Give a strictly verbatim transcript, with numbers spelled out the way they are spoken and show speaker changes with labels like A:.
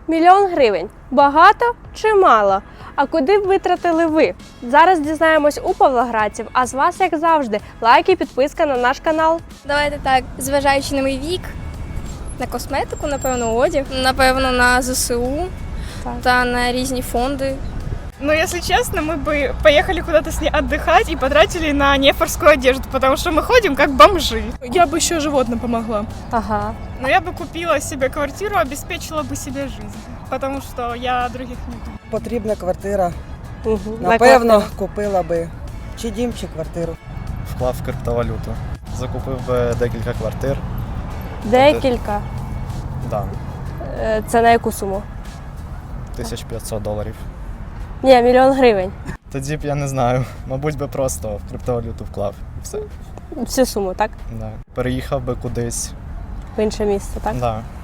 A: Мільйон гривень. Багато чи мало? А куди б витратили ви? Зараз дізнаємось у павлоградців, а з вас, як завжди, лайк і підписка на наш канал.
B: Давайте так, зважаючи на мій вік, на косметику, напевно, одяг, напевно, на ЗСУ
A: Так.
B: та на різні фонди.
C: Но, если честно, мы бы поехали куда-то с ней отдыхать и потратили на нефорскую одежду, потому что мы ходим как бомжи.
D: Я бы еще животным помогла.
A: Ага.
C: Но я бы купила себе квартиру, обеспечила бы себе жизнь, потому что я других не думаю.
E: Потрібна квартира.
A: Угу.
E: Напевно, купила би чи дім, чи квартиру.
F: Вклав в криптовалюту. Закупив би декілька квартир.
A: Декілька.
F: Да,
A: Е, Це на яку суму?
F: тисяч п'ятсот доларів.
A: Ні, мільйон гривень.
F: Тоді б я не знаю. Мабуть би просто в криптовалюту вклав. І все.
A: Всю суму, так?
F: Да. Переїхав би кудись.
A: В інше місце, так?
F: Да.